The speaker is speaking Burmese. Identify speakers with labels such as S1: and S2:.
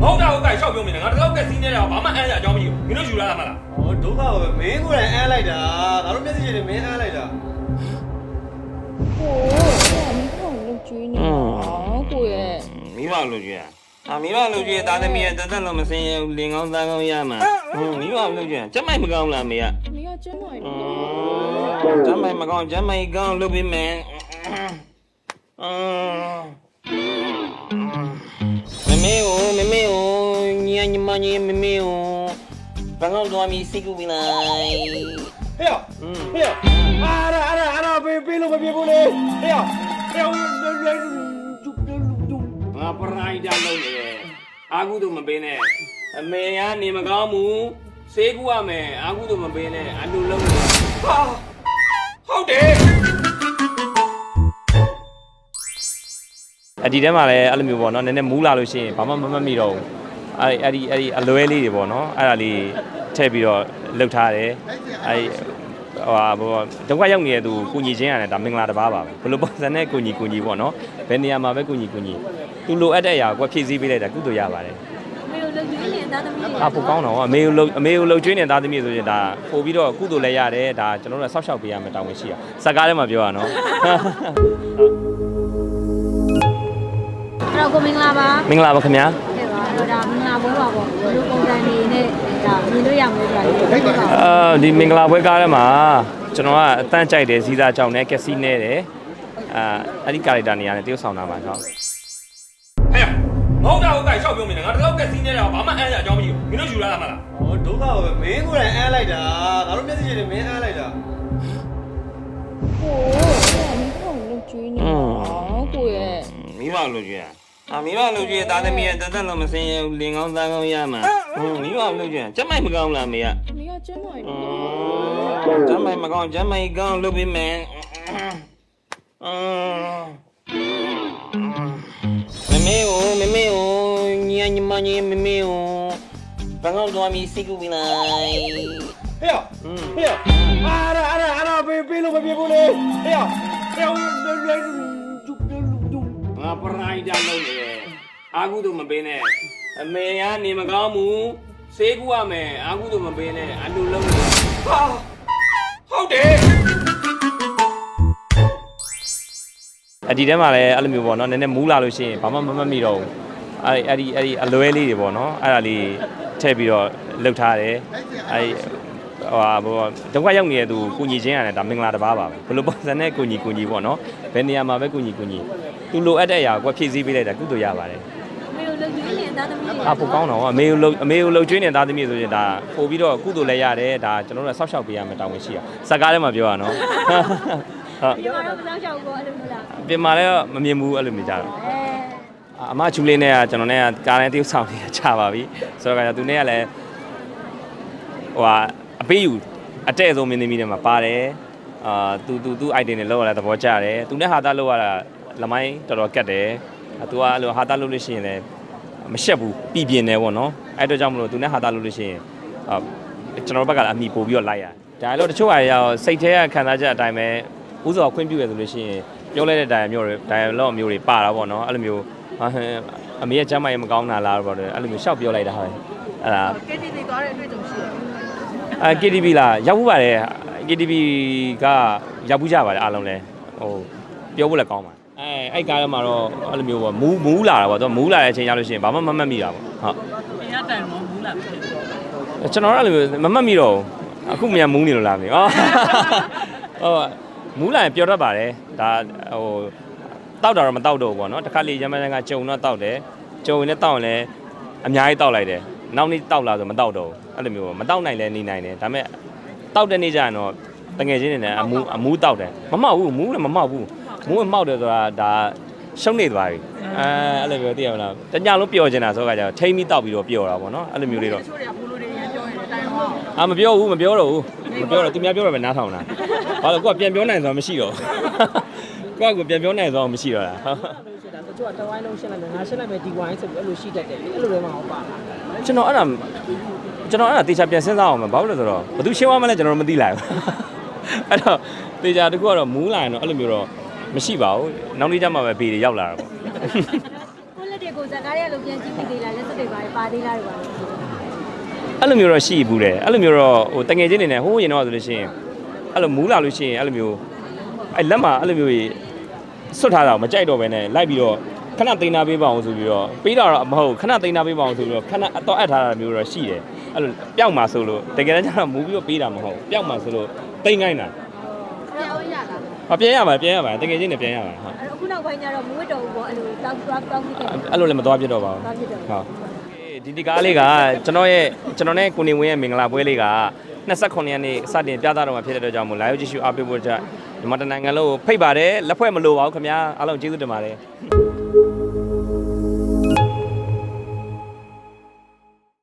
S1: ဟုတ်တာဟုတ်ကဲ့ရှောက်ပြောမင်းငါတလောက်ကစီးနေတာဘာမှအမ်းရအကြောင်းမရှိဘူးမင်းတို့ယူလာတာမလား
S2: ဟောဒုက္ခပဲမင်းကိုယ်တိုင်အမ်းလိုက်တာငါတို့မျက်စိချင်းနဲ့မင်းအမ်းလိုက်တာ
S3: ဟိုမင်းကလုတ်ကျွေးနေတာကိုရဲ့
S4: မိဘလုတ်ကျွေးမိဘလုတ်ကျွေးသားသမီးရဲ့တသက်လုံးမစင်ရဘူးလင်ကောင်းသားကောင်းရမှာမိဘလုတ်ကျွေးကျမိုက်မကောင်းလားမေက
S3: မေကကျမိုက်
S4: ကျမိုက်မကောင်းကျမိုက်ကောင်းလုပ်ပြီးမယ်မမေကိုညီမညီမမေကိုဘာလို့တော့မီစိတ်ကူပြီးလိုက်
S2: ဟေ့ဟေ့အာပေးလို့မပြေဘူးလေဟေ့
S4: ငါပရိုက်တာလုပ်နေတယ်အာကုတို့မပေးနဲ့အမေကနေမကောင်းဘူးစေးကူရမယ်အာကုတို့မပေးနဲ့အတူလုံးနေ
S1: ဟာဟုတ်တယ်
S5: ဒီထဲမှာလည်းအဲ့လိုမျိုးပေါ့နော်နည်းနည်းမူးလာလို့ရှိရင်ဘာမှမမှတ်မိတော့ဘူးအဲ့ဒီအလွဲလေးတွေပေါ့နော်အဲ့ဒါလေးထည့်ပြီးတော့လှုပ်ထားတယ်အဲ့ဒုက္ခရောက်နေတဲ့သူကိုညီချင်းရတယ်ဒါမင်္ဂလာတစ်ပါးပါပဲဘယ်လိုပုံစံနဲ့ကိုညီပေါ့နော်ဘယ်နေရာမှာပဲကိုညီသူလိုအပ်တဲ့အရာကိုဖြည့်ဆည်းပေးလိုက်တာကုသိုလ်ရပါတယ်
S3: မေကိုလှုပ်ကျွေးနေတဲ့သားသမီးတွေ
S5: ပိုကောင်းတော့အမေကိုလှုပ်ကျွေးနေတဲ့သားသမီးဆိုရင်ဒါပို့ပြီးတော့ကုသိုလ်လည်းရတယ်ဒါကျွန်တော်တို့ဆောက်ရှောက်ပေးရမယ်တောင်းဝင်ရှိတာစကားထဲမှာပြောရနော်
S3: အဲ့တော့ကိုမင်္ဂလာပါ
S5: မင်္ဂလာပါခင်ဗျာ
S3: ဟုတ်ပါတော့ဒါမင်္ဂလာဘုန်းပါပေါ့ဘယ်လိုပုံစံနေနဲ့ဒါမြင်လို့ရမလဲဆိုတာ
S5: ဒီမင်္ဂလာပွဲကားထဲမှာကျွန်တော်ကအတန်းကြိုက်တယ်ဇီးသားကြောင့်နဲ့ကက်စီနဲ့တယ်အဲ့ဒီကာရက်တာနေရာနဲ့တရုပ်ဆောင်တာပါဟုတ်
S1: ဟဲ့ဟုတ်တာဟုတ်ကဲ့ရှောက်ပြောမင်းငါတလောက်ကစီးနေတာဘာမှအမ်းရအကြောင်းမရှိဘူးမင်းတို့ယူလာတာမလား
S2: ဟောဒုက္ခပဲမင်းကိုယ်တိုင်အမ်းလိုက်တာငါတို့မျက်စိချင်းနဲ့မင်းအမ်းလိုက်တာ
S3: ဟိုမင်းကလုတ်ကျွေးနေတာကိုရဲ့
S4: မိဘလုတ်ကျွေးမိဘလုတ်ကျွေးသားသမီးရဲ့တသက်လုံးမစင်ရဘူးလင်ကောင်းသားကောင်းရမှာမိဘလုတ်ကျွေးကျမိုက်မကောင်းလားမေက
S3: မေကကျမိုက်
S4: ကျမိုက်မကောင်းကျမိုက်ကောင်းလုပ်ပြီးမယ်မမေကိုညီမညီမမေကိုဘာလို့တော့မီစိတ်ကူပြီးလိုက်
S2: ဟေ့အာပေးလို့မပြေဘူးလေဟေ့
S4: ငါပရိုက်တာလုပ်နေတယ်အာကုတို့မပေးနဲ့အမေကနေမကောင်းဘူးစေးကူရမယ်အာကုတို့မပေးနဲ့အတူလုံးနေ
S1: ဟာဟုတ်တယ်
S5: ဒီထဲမှာလည်းအဲ့လိုမျိုးပေါ့နော်နည်းနည်းမူးလာလို့ရှိရင်ဘာမှမမှတ်မိတော့ဘူးအဲ့ဒီအလွဲလေးတွေပေါ့နော်အဲ့ဒါလေးထည့်ပြီးတော့လှုပ်ထားတယ်အဲ့ဒုက္ခရောက်နေတဲ့သူကိုညီချင်းရတယ်ဒါမင်္ဂလာတစ်ပါးပါပဲဘယ်လိုပုံစံနဲ့ကိုညီပေါ့နော်ဘယ်နေရာမှာပဲကိုညီသူလိုအပ်တဲ့အရာကိုဖြည့်ဆည်းပေးလိုက်တာကုသိုလ်ရပါတယ်
S3: မေကိုလှုပ်ကျွေးနေတဲ့သားသမီးတွေ
S5: ပိုကောင်းတော့အမေကိုလှုပ်ကျွေးနေတဲ့သားသမီးဆိုရင်ဒါပို့ပြီးတော့ကုသိုလ်လည်းရတယ်ဒါကျွန်တော်တို့ဆောက်ရှောက်ပေးရမယ်တောင်းဝင်ရှိတာစကားထဲမှာပြောရနော်
S3: ဟုတ်ဒီမှာတော့စောင့်ရှောက်ကိုအဲ့လိုမျိုးလား
S5: ပြင်မာလည်းမမြင်ဘူးအဲ့လိုမျိုးကြတော့အမချူလေးနဲ့ကကျွန်တော်နဲ့ကကားနဲ့တရုပ်ဆောင်နေတာချပါပြီဆိုတော့ကသူနဲ့ကလည်းအပေးယူအတဲ့ဆုံးမင်းသမီးတွေမှာပါတယ်သူ item တွေလောက်ရတာသဘောကျတယ်သူနဲ့ဟာသားလောက်ရတာလမိုင်းတော်တော်ကတ်တယ်သူကအဲ့လိုဟာသားလောက်လို့ရှိရင်လည်းမရှက်ဘူးပြည်ပြင်းတယ်ပေါ့နော်အဲ့တော့ကြောင့်မလို့သူနဲ့ဟာသားလောက်လို့ရှိရင်ကျွန်တော်ဘက်ကလည်းအမိပို့ပြီးတော့လိုက်ရဒါလည်းတချို့အရာစိတ်ထဲကခံစားချက်အတိုင်းပဲဥစ္စာခွင့်ပြုရဆိုလို့ရှိရင်ပြောလိုက်တဲ့ဒိုင်မျိုးတွေပါတာပေါ့နော်အဲ့လိုမျိုးအမေရဲ့ကျမ်းမာရေးမကောင်းတာလားပေါ့အဲ့လိုမျိုးရှောက်ပြောလိုက်တာဟုတ်အဲ့ဒါ
S3: KTV သွားတဲ့အတွေ့အကြုံရှိတယ်
S5: KTV လားရောက်ဘူးပါတယ် KTV ကရောက်ဘူးကြပါတယ်အားလုံးလဲပြောဖို့လည်းကောင်းပါတယ်အဲ့ကားထဲမှာတော့အဲ့လိုမျိုးပေါ့မူးလာတာပေါ့သူမူးလာတဲ့အချိန်ရောက်လို့ရှိရင်ဘာမှမမှတ်မိတာပေါ့ဟုတ်
S3: အင်းတိုင်မူးလာပြီ
S5: ကျွန်တော်အဲ့လိုမမှတ်မိတော့အခုမြန်မူးနေလို့လားမသိမူးလာရင်ပြောတတ်ပါတယ်ဒါတောက်တာတော့မတောက်တော့ဘူးပေါ့နော်တခါလေရမန်ကကြုံတော့တောက်တယ်ကြုံရင်လည်းတောက်ရင်လည်းအများကြီးတောက်လိုက်တယ်နောက်နေ့တောက်လာဆိုမတောက်တော့ဘူးအဲ့လိုမျိုးမတောက်နိုင်လဲနေနိုင်တယ်ဒါပေမဲ့တောက်တဲ့နေ့ကျရင်တော့တငယ်ချင်းတွေနဲ့အမူးတောက်တယ်မမောက်ဘူးမူးလည်းမမောက်ဘူးမူးမောက်တယ်ဆိုတာဒါရှုံးနေသွားပြီအဲ့လိုမျိုးသိရမလားတညလုံးပျော်နေတာဆိုတော့ကျတော့ထိမ့်ပြီးတောက်ပြီးတော့ပျော်တာပေါ့နော်အဲ့လိုမျိုးလေးတော့
S3: တချို့တွေကဘိုးလိုတွေရန်ပြောနေတယ်တိုင်တော့
S5: မပြောတော့ဘူးမပြောတော့သူများပြောတော့ပဲနားထောင်တာဘာလို့ကိုကပြန်ပြောနိုင်ဆိုတာမရှိတော့ကိုပြန်ပြောနိုင်ဆိုတာမရှိတော့လား
S3: တချို့ကတဝိုင်းလုံးရှင်းလိုက်မယ်ငါရှင်းလိုက်မယ်ဒီဝိုင်းဆိုပြီးအဲ့လိုရှိတတ်တယ်အဲ့လိုတွေမှဟောပါလား
S5: ကျွန်တော်အဲ့ဒါတေချာပြန်စဉ်းစားအောင်မယ်ဘာလို့လဲဆိုတော့ဘယ်သူရှင်းသွားမလဲကျွန်တော်မသိလိုက်ဘူးအဲ့တော့တေချာတခုကတော့မူးလာရင်တော့အဲ့လိုမျိုးတော့မရှိပါဘူးနောက်နေ့ကျမှပဲဘေးတွေရောက်လာတာပေါ့
S3: ကိုလက်တွေကိုစ
S6: ဇကားရဲ့လိုပြန်ကြည့်မိသေးလားလက်စတွေပါသေးလားတွေပါ
S5: အဲ့လိုမျိုးတော့ရှိဘူးတယ်အဲ့လိုမျိုးတော့ဟိုတငယ်ချင်းနေနဲ့ဟိုးရင်တော့ဆိုလို့ရှိရင်အဲ့လိုမူးလာလို့ရှိရင်အဲ့လိုမျိုးအဲ့လက်မှာအဲ့လိုမျိုးစွတ်ထားတာမကြိုက်တော့ဘဲနဲ့လိုက်ပြီးတော့ခဏသိမ်းသားပေးပါအောင်ဆိုပြီးတော့ပေးတာတော့မဟုတ်ခဏသိမ်းသားပေးပါအောင်ဆိုပြီးတော့ခဏအတော့အပ်ထားတာမျိုးတော့ရှိတယ်အဲ့လိုပျောက်မှာဆိုလို့တကယ်တမ်းကျတော့မူးပြီးတော့ပေးတာမဟုတ်ပျောက်မှာဆိုလို့သိမ်းခိုင်းတာ
S6: ပြောင်းရတာ
S5: ပြန်ရပါတကယ်ချင်းနဲ့ပြန်ရပါဟုတ်
S6: အဲ့အခုနောက်ပိုင်းကျတော့မဝတ်တော်ဘူးပေါ့အဲ့လိုတောင်းပြီးတယ်
S5: အဲ့လိုလည်းမသွားပြတော့ပါဘူး
S6: သွားဖြစ်တော့
S5: ဟုတ်ဒီကားလေးကကျွန်တော်နဲ့ကိုနေဝင်းရဲ့မင်္ဂလာပွဲလေးက29ရက်နေ့စတင်ပြသတော့မှာဖြစ်တဲ့အတွက်ကြောင့်မို့လာရောက်ကြည့်ရှုအားပေးဖို့အတွက်ဒီမှာတနိုင်ငံလုံးကိုဖိတ်ပါတယ်လက်ဖွဲ့မလိုပါဘူးခင်ဗျာအားလုံးကျေးဇူးတင်ပါတယ်